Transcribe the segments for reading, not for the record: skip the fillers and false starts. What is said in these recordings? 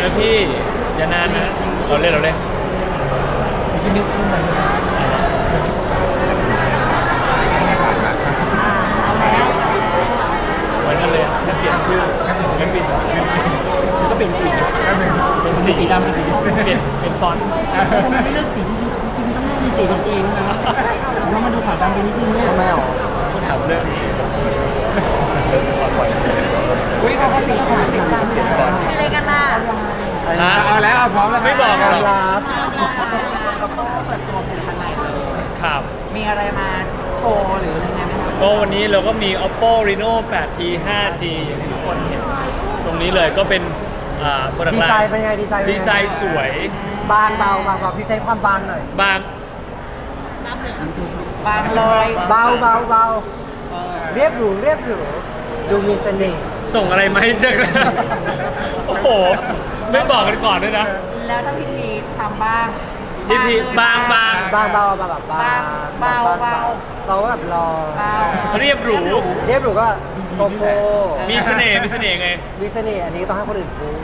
นะพี่อย่านานนะเราเล่นที่นึกขึ้นมาเหมือนกันเลยถ้าเปลี่ยนชื่อไม่ปิดก็เป็นสีสีดำเป็นสีเป็นฟอนต์ทำไมไม่เลือกสีจริงๆต้องเลือกเป็นสีของเองนะเรามาดูขาวดำไปนิดนึงทำไมอ๋อถามเรื่องนี้อุ้ยเขาก็สีฉาดเป็นดำเป็นฟอนต์อะไรกันน่ะเอาแล้วพร้อมแล้วไม่บอกหรอกเปิดตัวเป็นข้างในเลยครับมีอะไรมาโชว์หรืออะไรไหมก็วันนี้เราก็มี Oppo Reno 8T 5G อย่างที่ทุกคนเห็นตรงนี้เลยก็เป็นดีไซน์เป็นไงดีไซน์สวยบางเบาพิเศษความบางหน่อยบางเลยเบาเรียบหรูดูมีเสน่ห์ส่งอะไรมาให้เด็กโอ้โหไม่บอกกันก่อนด้วยนะแล้วถ้าพี่ทีทำบ้างพี่บางเบาแบบเบาแบบรอเรียบหรูก็โกโก้มีเสน่ห์ไงมีเสน่ห์อันนี้ต้องให้คนอื่นพูด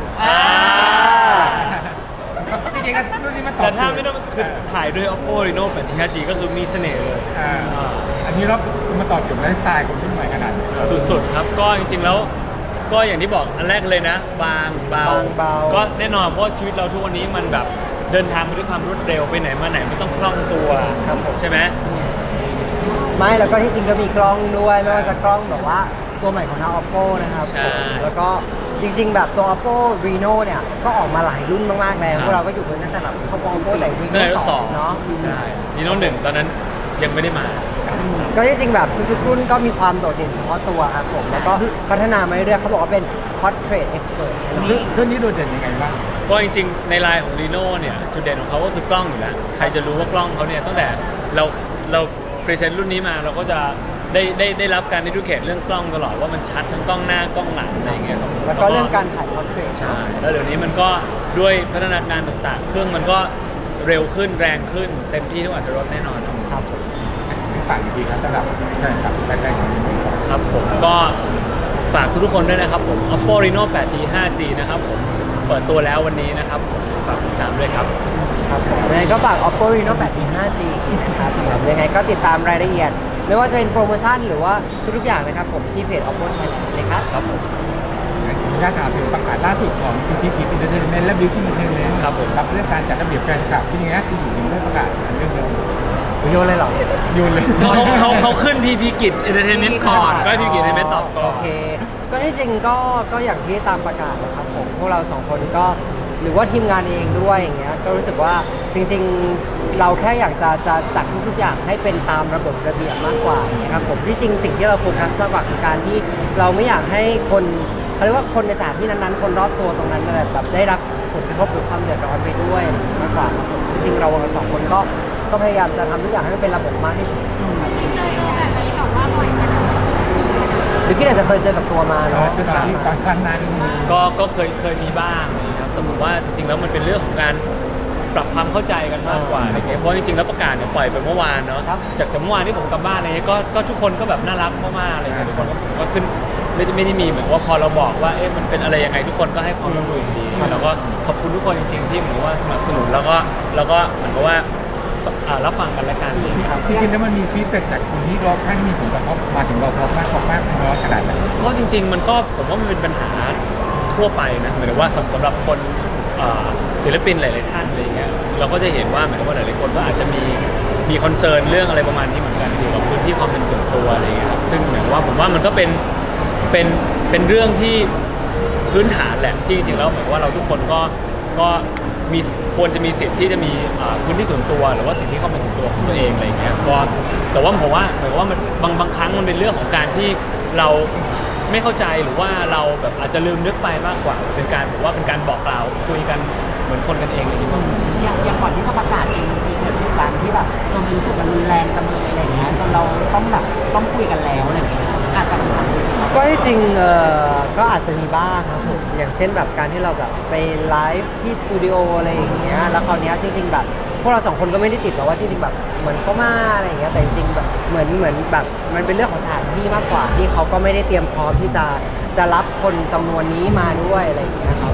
จริงๆก็รุ่นนี้มันตอบแต่ถ้าไม่ต้องคือถ่ายด้วย Oppo Reno 8T 5G ก็คือมีเสน่ห์เลยอันนี้เรามาตอบโจทย์ไลฟ์สไตล์คนรุ่นใหม่ขนาดสุดๆครับก็จริงๆแล้วก็อย่างที่บอกอันแรกเลยนะบางเบาก็แน่นอนเพราะชีวิตเราทุกวันนี้มันแบบเดินทางไปด้วยความรวดเร็วไปไหนมาไหนไม่ต้องคล่องตัวใช่ไหมไม่แล้วก็ที่จริงก็มีกล้องด้วยไม่ว่าจะกล้องแบบว่าตัวใหม่ของทาง Oppo นะครับแล้วก็จริงๆแบบตัว Oppo Reno เนี่ยก็ออกมาหลายรุ่นมากๆแล้วพวกเราก็อยู่กันตั้งแต่แบบเข้า Oppo แต่ Reno 2เนาะใช่ Reno 1ตอนนั้นยังไม่ได้มาก็จริงๆแบบทุกๆรุ่นก็มีความโดดเด่นเฉพาะตัวครับผมแล้วก็พัฒนามาเรื่อยๆเขาบอกว่าเป็น Portrait Expert รุ่นนี้โดดเด่นยังไงบ้างก็จริงๆในไลน์ของ Reno เนี่ยจุดเด่นของเขาก็คือกล้องอยู่แล้วใครจะรู้ว่ากล้องเขาเนี่ยตั้งแต่เราพรีเซนต์รุ่นนี้มาเราก็จะได้รับการดิดูเคทเรื่องกล้องตลอดว่ามันชัดทั้งกล้องหน้ากล้องหลังอะไรเงี้ยครับแล้วก็เรื่องการถ่าย Portrait ใช่แล้วเดี๋ยวนี้มันก็ด้วยพัฒนาการต่างๆเครื่องมันก็เร็วขึ้นแรงขึ้นเต็มที่ทุกอัตราแน่นอนครับฝากดีครับสำหรับแฟนคลับแรกๆของReno ครับผมก็ฝากทุกคนด้วยนะครับผม Oppo Reno 8T 5G นะครับผมเปิดตัวแล้ววันนี้นะครับผมฝากติดตามด้วยครับครับผมยังไงก็ฝาก Oppo Reno 8T 5G นะครับยังไงก็ติดตามรายละเอียดไม่ว่าจะเป็นโปรโมชั่นหรือว่าทุกๆอย่างนะครับผมที่เพจ Oppo Thailand เลยครับครับผมญาติถามถึงประกาศล่าสุดของพีพีกิจอินเตอร์เทนเมนต์และบิวตี้อินเตอร์เทนเมนต์ครับผมกับเรื่องการจัดระเบียบแฟนคลับที่นี้ที่อยู่ในได้ประกาศเรื่องเดียวโยนเลยเหรอโยนเลยเขาขึ้นพีพีกิจอินเตอร์เทนเมนต์ก่อนก็พีพีกิจอินเตอร์เทนเมนต์ตอบก่อนโอเคก็ที่จริงก็อย่างที่ตามประกาศนะครับผมพวกเรา2คนก็หรือว่าทีมงานเองด้วยอย่างเงี้ยก็รู้สึกว่าจริงๆเราแค่อยากจะจัดทุกๆอย่างให้เป็นตามระบบระเบียบมากกว่านะครับผมที่จริงสิ่งที่เราโฟกัสมากกว่าคือการที่เราไม่อยากให้คนเขาเรียกว่าคนในสถานที่นั้นๆคนรอบตัวตรงนั้นแบบได้รับผลกระทบหรือความเดือดร้อนไปด้วยมากกว่าจริงๆเราสองคนก็พยายามจะทำทุกอย่างให้มันเป็นระบบมากที่สุดเจอแบบนี้แบบว่าบ่อยขนาดไหนหรือที่อาจจะเคยเจอกับตัวมาเนาะตอนครั้งนั้นก็เคยมีบ้างนะครับแต่ผมว่าจริงๆแล้วมันเป็นเรื่องของการปรับความเข้าใจกันมากกว่าอะไรเงี้ยเพราะจริงๆแล้วประกาศเนี่ยปล่อยไปเมื่อวานเนาะจากเมื่อวานที่ผมกลับบ้านอะไรเงี้ยก็ทุกคนก็แบบน่ารักมากๆอะไรเงี้ยทุกคนก็ขึ้นไม่ได้มีเหมือนว่าพอเราบอกว่าเอ๊ะมันเป็นอะไรยังไงทุกคนก็ให้ความร่วมมือดีแล้วก็ขอบคุณทุกคนจริงๆที่เหมือนว่าสนับสนุนแล้วก็เหมือนกับว่ารับฟังกันและกันจริงจริงๆแล้วมันมีฟีดแบ็กจากคนที่รอบข้างมีผลกระทบมาถึงเราพอมากน้อยขนาดไหนก็จริงๆมันก็ผมว่ามันเป็นปัญหาทั่วไปนะหมายถึงว่าสำหรับคนศิลปินหลายๆท่านอะไรเงี้ยเราก็จะเห็นว่าหมายถึงว่าหลายๆคนก็อาจจะมีคอนเซิร์นเรื่องอะไรประมาณนี้เหมือนกันเกี่ยวกับพื้นที่ความเป็นส่วนตัวอะไรเงี้ยครับซึ่งหมายถึงว่าผมว่ามันก็เป็นเรื่องที่พื้นฐานแหละที่จริงๆแล้วหมายว่าเราทุกคนก็มีควรจะมีสิทธิ์ที่จะมีพื้นที่ส่วนตัวหรือว่าสิทธิความเป็นส่วนตัวของตัวเองอะไรเงี้ยก็แต่ว่าผมว่าหมายว่ามันบางครั้งมันเป็นเรื่องของการที่เราไม่เข้าใจหรือว่าเราแบบอาจจะลืมนึกไปมากกว่าเป็นการผมว่าเป็นการบอกกล่าวคุยกันเหมือนคนกันเองอะไรอย่างเงี้ยอย่างก่อนที่เขาประกาศเองมีเกิดเหตุการณ์ที่แบบจนรู้สึกมันรุนแรงกันเลยอะไรเงี้ยจนเราต้องคุยกันแล้วอะไรเงี้ยอาจจะก็ที่จริงก็อาจจะมีบ้างครับผมอย่างเช่นแบบการที่เราแบบไปไลฟ์ที่สตูดิโออะไรอย่างเงี้ยแล้วคราวนี้จริงๆแบบพวกเรา2คนก็ไม่ได้ติดหรอกว่าจริงๆแบบเหมือนเขามาอะไรอย่างเงี้ยแต่จริงๆแบบเหมือนแบบมันเป็นเรื่องของสถานที่มากกว่าที่เขาก็ไม่ได้เตรียมพร้อมที่จะรับคนจำนวนนี้มาด้วยอะไรอย่างเงี้ยครับ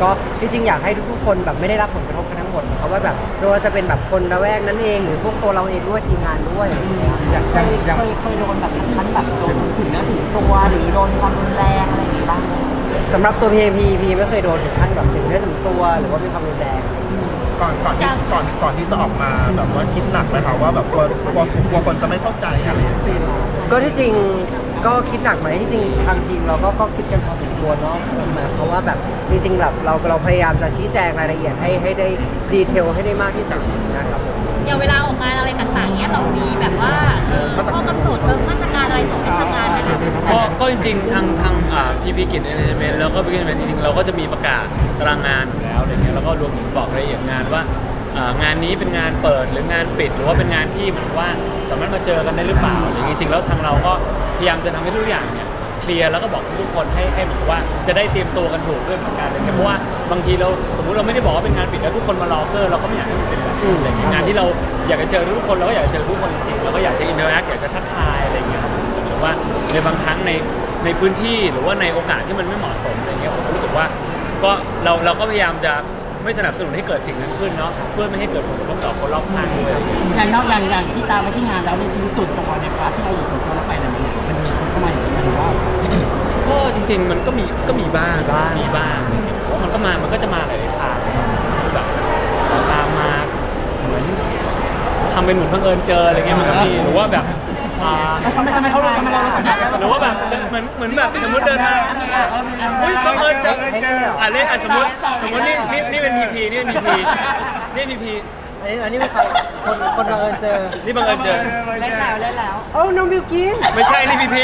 ก็จริงๆอยากให้ทุกๆคนแบบไม่ได้รับผลกระทบกันทั้งหมดเพราะว่าแบบไม่ว่าจะเป็นแบบคนละแวกนั้นเองหรือพวกตัวเราเองด้วยทีมงานด้วยอะไรอย่างเงี้ยเคยโดนแบบขั้นแบบโดนถึงเนื้อถึงตัวหรือโดนความรุนแรงอะไรอย่างงี้บ้างไหมสำหรับตัวพีไม่เคยโดนถึงขั้นแบบถึงเนื้อถึงตัวหรือว่ามีความรุนแรงก่อนที่จะออกมาแบบว่าคิดหนักไหมคะว่าแบบกลัวคนจะไม่เข้าใจอะไรอย่างเงี้ยก็ที่จริงก็คิดหนักไหมที่จริงทางทีมเราก็คิดกันพอสมควรเนาะเพราะว่าแบบจริงๆแบบเราพยายามจะชี้แจงรายละเอียดให้ได้ดีเทลให้ได้มากที่สุดนะครับผมอย่างเวลาออกงานอะไรต่างๆเนี้ยเรามีแบบว่าข้อกำหนดมาตรการอะไรส่งให้ทำงานไหมคะก็จริงๆทางพีกิจเอนเตอร์เทนเมนต์แล้วก็พีกิจเอนเตอร์เทนเมนต์จริงๆเราก็จะมีประกาศตารางงานอยู่แล้วอะไรเงี้ยแล้วก็รวมถึงบอกรายละเอียดงานว่างานนี้เป็นงานเปิดหรืองานปิดหรือว่าเป็นงานที่เหมือนว่าสามารถมาเจอกันได้หรือเปล่าอะไรอย่างงี้จริงๆแล้วทางเราก็พยายามจะทำให้ทุกอย่างเนี่ยเคลียร์แล้วก็บอกทุกคนให้เหมือนว่าจะได้เตรียมตัวกันถูกด้วยเหมือนกันเลยเพราะว่าบางทีเราสมมุติเราไม่ได้บอกว่าเป็นงานปิดแล้วทุกคนมารอเกอร์เราก็ไม่อยากให้มันเป็นแบบนั้นอะไรอย่างเงี้ยงานที่เราอยากจะเจอทุกคนเราก็อยากจะเจอทุกคนจริงๆเราก็อยากจะอินเตอร์แอคอยากจะทักทายอะไรอย่างเงี้ยครับหรือว่าในบางครั้งในพื้นที่หรือว่าในโอกาสที่มันไม่เหมาะสมอะไรเงี้ยผมรู้สึกว่าก็เราก็พยายามจะไม่สนับสนุนให้เกิดสิ่งนั้นขึ้นเนาะเพื่อไม่ให้เกิดผลกระทบต่อคนรอบข้างด้วยอย่างนอกอย่างที่ตามไปที่งานแล้วในชีวิตส่วนตัวในพาร์ทที่เราอยู่ส่วนตัวเราไปเนี่ยมันมีคนเข้ามาอย่างนี้หรือว่าก็จริงๆมันก็มีบ้างอะไรเงี้ยเพราะมันก็จะมาหลายๆทางแบบตามมาเหมือนทำเป็นเหมือนบังเอิญเจออะไรเงี้ยมันก็มีหรือว่าแบบทำไมเราสัมผัสได้หรือว่าแบบเหมือนแบบสมมติเดินทางอุ้ยบังเอิญเจอเล่นสมมตินี่เป็นพีพีนี่เป็นพีพีนี่พีพีอันนี้เป็นใครคนบังเอิญเจอนี่บังเอิญเจอเล่นแล้วเอ้าน้องบิวกินไม่ใช่นี่พีพี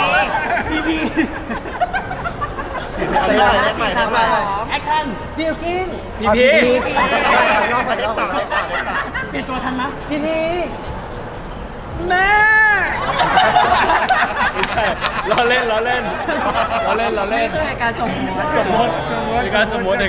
เลขใหม่แอคชั่นบิวกินพีพีเลขสามเปลี่ยนตัวทันไหมพีพีแม่ไม่ใช่ล้อเล่นนี่คือการส่งหัวสมมติในการสมมติ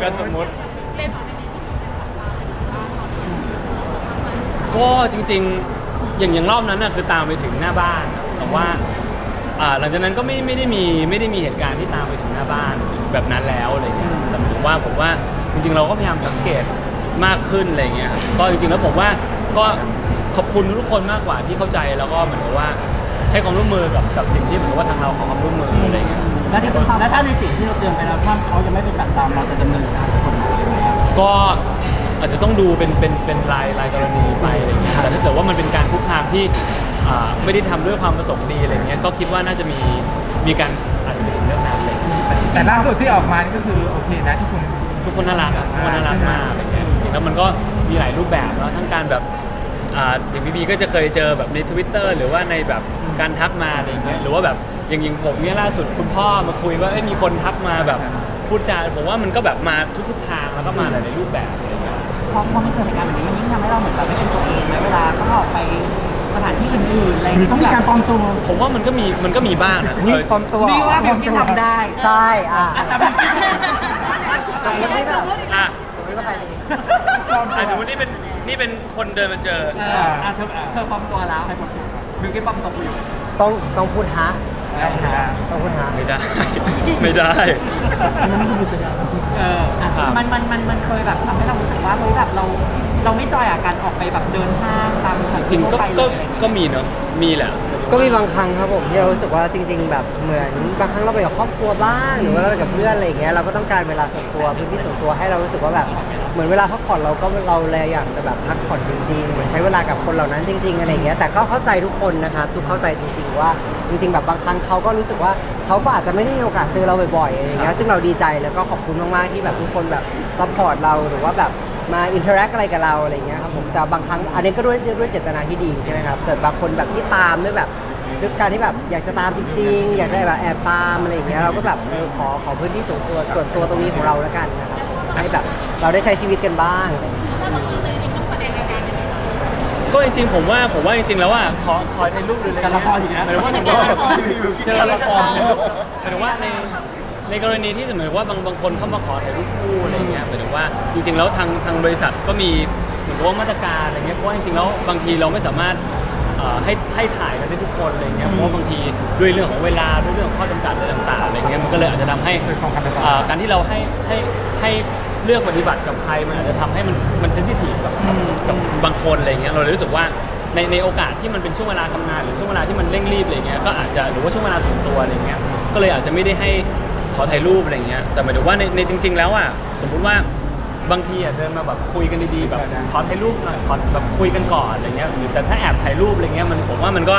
ก็จริงๆอย่างรอบนั้นน่ะคือตามไปถึงหน้าบ้านแต่ว่าหลังจากนั้นก็ไม่ได้มีเหตุการณ์ที่ตามไปถึงหน้าบ้านแบบนั้นแล้วอะไรเงี้ยแต่ผมว่าจริงๆเราก็พยายามสังเกตมากขึ้นอะไรเงี้ยครับก็จริงๆแล้วผมว่าก็ขอบคุณทุกคนมากกว่าที่เข้าใจแล้วก็เหมือนกับว่าให้ความร่วมมือกับสิ่งที่เหมือนว่าทางเราขอความร่วมมืออะไรเงี้ยแล้วถ้าในสิ่งที่เราเตือนไปแล้วถ้าเขายังไม่เป็นแบบตามเราจะดำเนินการกฎหมายยังไงก็อาจจะต้องดูเป็นรายกรณีไปอะไรเงี้ยแต่ถ้าเกิดว่ามันเป็นการคุกคามที่ไม่ได้ทำด้วยความประสงค์ดีอะไรเงี้ยก็คิดว่าน่าจะมีการอาจจะไปถึงเรื่องนั้นอะไรเงี้ยแต่ล่าสุดที่ออกมานี่ก็คือโอเคนะที่คุณทุกคนน่ารักอะทุกคนน่ารักมากอะไรเงี้ยแล้วมันก็มีหลายรูปแบบแล้วทั้งการแบบอย่างพี่ก็จะเคยเจอแบบใน Twitter หรือว่าในแบบการทักมาอะไรเงี้ยหรือว่าแบบอย่างผมเนี่ยล่าสุดคุณพ่อมาคุยว่ามีคนทักมาแบบพูดจาผมว่ามันก็แบบมาทุกทางแล้วก็มาหลายๆรูปแบบอะไรเงี้ยพอมันเกิดเหตุการณ์แบบนี้มันยิ่งทำให้เราเหมือนแบบไม่เป็นตัวเองไหมเวลาต้องออกไปสถานที่อื่นๆอะไรต้องมีการปลอมตัวผมว่ามันก็มีบ้างนะนี่ปลอมตัวนี่ว่าแบบที่ทำได้ใช่แต่แบบสมมติไม่แบบอ่ะสมมติว่าใครดีสมมตินี่เป็นคนเดินมาเจอเธอปลอมตัวแล้วบิวกิ้นปลอมตัวอยู่ต้องพูดฮะต้องพูดฮะไม่ได้ ไม่ได้มันเคยแบบทำให้เรารู้สึกว่าเฮ้ยแบบเราไม่จอยกับการออกไปแบบเดินห้างตามสถานจริที่งๆทั่วไปเลยก็มีเนาะมีแหละก็มีบางครั้งครับผมที่เรารู้สึกว่าจริง ๆ แบบเหมือนบางครั้งเราไปกับครอบครัวบ้างหรือว่าเราไปกับเพื่อนอะไรอย่างเงี้ยเราก็ต้องการเวลาส่วนตัวพื้นที่ส่วนตัวให้เรารู้สึกว่าแบบเหมือนเวลาพักผ่อนเราเลยอยากจะแบบพักผ่อนจริงๆเหมือนใช้เวลากับคนเหล่านั้นจริง ๆอะไรอย่างเงี้ยแต่ก็เข้าใจทุกคนนะครับทุกเข้าใจจริงๆว่าจริง ๆ แบบบางครั้งเขาก็รู้สึกว่าเขาก็อาจจะไม่ได้มีโอกาสเจอเราบ่อยๆอะไรอย่างเงี้ยซึ่งเราดีใจแล้วก็ขอบคุณมากๆที่แบบทุกคนแบบซัพพอร์ตเราหรือว่าแบบมาอินเทอร์แอคอะไรกับเราอะไรอย่างเงี้ยครับผมแต่บางครั้งอันนี้ก็ด้วยเจตนาที่ดีใช่ไหมครับเกิดบางคนแบบที่ตามด้วยแบบด้วยการที่แบบอยากจะตามจริงๆอยากจะแบบแอบตามอะไรอย่างเงี้ยเราก็แบบขอพื้นที่ส่วนตัวตรงนี้ของเราแล้วกันนะครับให้แบบเราได้ใช้ชีวิตกันบ้างอะไรอย่างเงี้ยถ้าบางทีเลยต้องแสดงรายการกันเลยก็จริงๆผมว่าจริงๆแล้วอ่ะขอในรูปดูเลยการละครอีกนะหมายถึงว่า เจอละครหมายถึงว่าในกรณีที่เหมือนว่าบางคนเข้ามาขอถ่ายรูปคู่อะไรเงี้ยหมายถึงว่าจริงๆแล้วทางบริษัทก็มีเหมือนกับว่ามาตรการอะไรเงี้ยเพราะว่าจริงๆแล้วบางทีเราไม่สามารถให้ถ่ายกันได้ทุกคนอะไรเงี้ยเพราะว่าบางทีด้วยเรื่องของเวลาด้วยเรื่องของข้อจำกัดอะไรต่างๆอะไรเงี้ยมันก็เลยอาจจะทำให้การที่เราให้เลือกปฏิบัติกับใครมันอาจจะทำให้มันเซนซิทีฟกับบางคนอะไรเงี้ยเราเลยรู้สึกว่าในโอกาสที่มันเป็นช่วงเวลาทำงานหรือช่วงเวลาที่มันเร่งรีบอะไรเงี้ยก็อาจจะหรือว่าช่วงเวลาส่วนตัวอะไรเงี้ยก็เลยอาจจะไม่ได้ให้ขอถ่ายรูปอะไรเงี้ยแต่หมายถึงว่าในจริง ๆ แล้วอ่ะสมมุติว่าบางทีอ่ะเดินมาแบบคุยกันดีๆแบบขอถ่ายรูปหน่อยขอแบบคุยกันก่อนอะไรเงี้ยหรือแต่ถ้าแอบถ่ายรูปอะไรเงี้ยผมว่ามันก็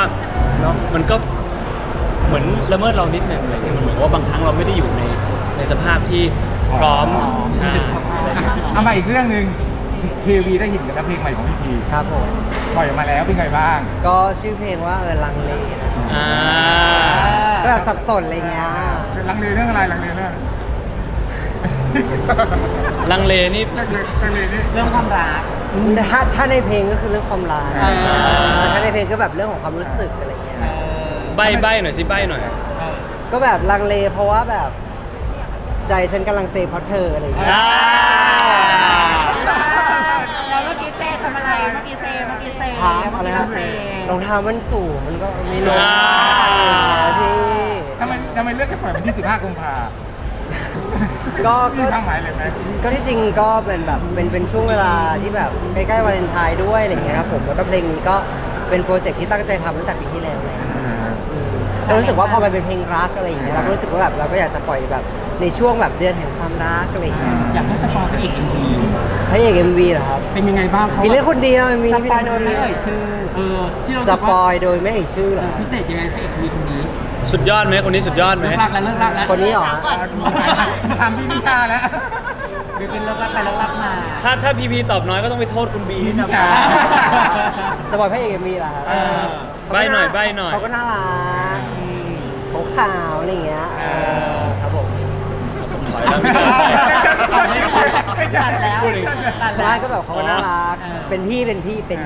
เหมือนละเมิดเรานิดนึงอะไรเงี้ยมันเหมือนว่าบางครั้งเราไม่ได้อยู่ในสภาพที่พร้อมใช่อะไรเงี้ยเอามาอีกเรื่องหนึ่งทีวีได้เห็นกันแล้วเพลงใหม่ของพี่พีครับผมปล่อยออกมาแล้วเป็นไงบ้างก็ชื่อเพลงว่าลังเลนะอ่าก็แบบสับสนอะไรเงี้ยลังเลเรื่องอะไรลังเลเรื่องลังเลนี่ลังเลนี่เรื่องความรักถ้าในเพลงก็คือเรื่องความรักอ่าแต่ถ้าในเพลงก็แบบเรื่องของความรู้สึกอะไรเงี้ยใบ้หน่อยสิใบ้หน่อยก็แบบลังเลเพราะว่าแบบใจฉันกำลังเซเพราะเธออะไรอย่างเงี้ยอ่าแล้วเมื่อกี้เซทำอะไรเมื่อกี้เซถามอะไรนะเซรองเท้ามันสูงมันก็ไม่ลงอะไรอย่างเงี้ยพี่ทำไมเลือกจะปล่อยวันที่ 15 กุมภาก็มีความหมายอะไรไหมก็ที่จริงก็เป็นแบบเป็นช่วงเวลาที่แบบใกล้ๆวาเลนไทน์ด้วยอะไรอย่างเงี้ยครับผมแล้วก็เพลงนี้ก็เป็นโปรเจกต์ที่ตั้งใจทำตั้งแต่ปีที่แล้วเลยเรารู้สึกว่าพอมันเป็นเพลงรักอะไรอย่างเงี้ยเราก็รู้สึกว่าแบบเราก็อยากจะปล่อยแบบในช่วงแบบเดือนแห่งความรักอะไรอย่างเงี้ยครับอยากให้สปอยพระเอก MV พระเอก MV เหรอครับเป็นยังไงบ้างเขามีเรื่องคนเดียวมีสพี่ปอยเล่นโดคนยไม่เดียวเอ่ยชื่อที่เราสปอยโดยไม่เอ่ยชื่อเหรอพิเศษยังไงพระเอก MV คนนี้สุดยอดไหมคนนี้สุดยอดไหมเลิกรักแล้วเลิกรักแล้วคนนี้เหรอทำพี่นิชาแล้วเป็นเลิกรักไปเลิกรักมาถ้าพีพีตอบน้อยก็ต้องไปโทษคุณบีพี่ที่นิทำชาสปอยพระเอก MV เหรอครับใบ้หน่อยใบ้หน่อยเขาก็น่ารักเขาขาวอะไรอย่างเงี้ยครับผมถอยแล้วไม่ใช่ไม่ใช่ตัดแล้วพูดอีกตัดแล้ไม่วก็แบบเขาก็น่ารัก เป็นพี่แค่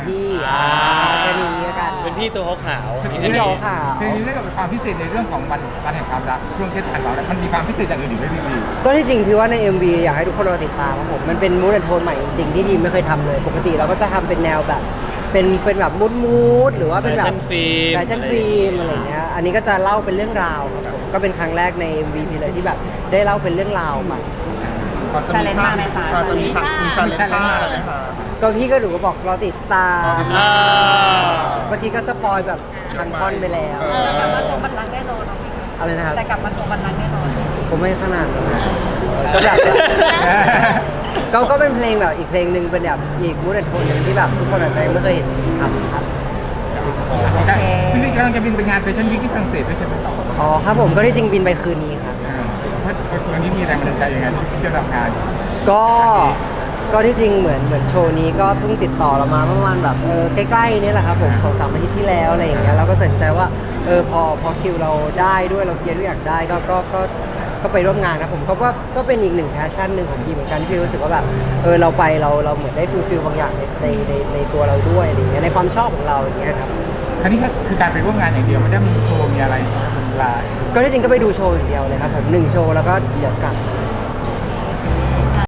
นี้แล้วกันเป็นพี่ตัวขาวๆพี่เราขาวเพลงนี้ได้กับความพิเศษในเรื่องของวันแห่งความรักช่วงเทศกาลเราแล้วมันมีความพิเศษอย่างอื่นอีกไหมพี่พีก็ที่จริงพี่ว่าใน MV อยากให้ทุกคนรอติดตามครับผมมันเป็นมูดแอนโทนใหม่จริงๆที่ดีไม่เคยทำเลย ปกติเราก็จะทำเป็นแนวแบบเป็นแบบมูดหรือว่าเป็นแบบแฟชั่นฟิล์มอะไรอย่างเงี้ยอันนี้ก็จะเล่าเป็นเรื่องราวครับผมก็เป็นครั้งแรกใน MV พี่เลยที่แบบได้เล่าเป็นเรื่องราวใหม่พอจะมีภาพพอจะมีชาเลนจ์ท่าอะไรไหมคะก็พี่ก็หนูก็บอกรอติดตามอ่าเมื่อกี้ก็สปอยแบบทันท่อนไปแล้วแต่กลับมาตรงบันลังก์แน่นอนอะไรนะครับแต่กลับมาตรงบันลังก์แน่นอนผมไม่ขนาดนั้นก็แบบก็เป็นเพลงแบบอีกเพลงหนึ่งเป็นแบบอีกมูดแอนโทนหนึ่งที่แบบทุกคนอาจจะยังไม่เคยเห็นทำครับพี่พีกำลังจะบินไปงานแฟชั่นวีคที่ฝรั่งเศสด้วยใช่ไหมอ๋อครับผมก็ที่จริงบินไปคืนนี้ครับวันนี้มีแรงบันดาลใจยังไงที่จะทำงานก็ที่จริงเหมือนโชว์นี้ก็เพิ่งติดต่อเรามาเมื่อวันแบบใกล้ๆนี่แหละครับผม2-3 อาทิตย์ที่แล้วอะไรอย่างเงี้ยเราก็ตัดสินใจว่าพอคิวเราได้ด้วยเราเคลียร์ทุกอย่างได้ก็ไปร่วมงานนะผมก็เป็นอีกหนึ่งแพชชั่นหนึ่งของพี่เหมือนกันที่รู้สึกว่าแบบเราไปเราเหมือนได้ฟิลบางอย่างในตัวเราด้วยอะไรอย่างเงี้ยในความชอบของเราอย่างเงี้ยครับครั้นี้ก็คือการไปร่วมงานอย่างเดียวไม่ได้มีโชว์มีอะไรลายก็ที่จริงก็ไปดูโชว์อย่างเดียวเลยครับผม1 โชว์แล้วก็เดี๋ยวกลับ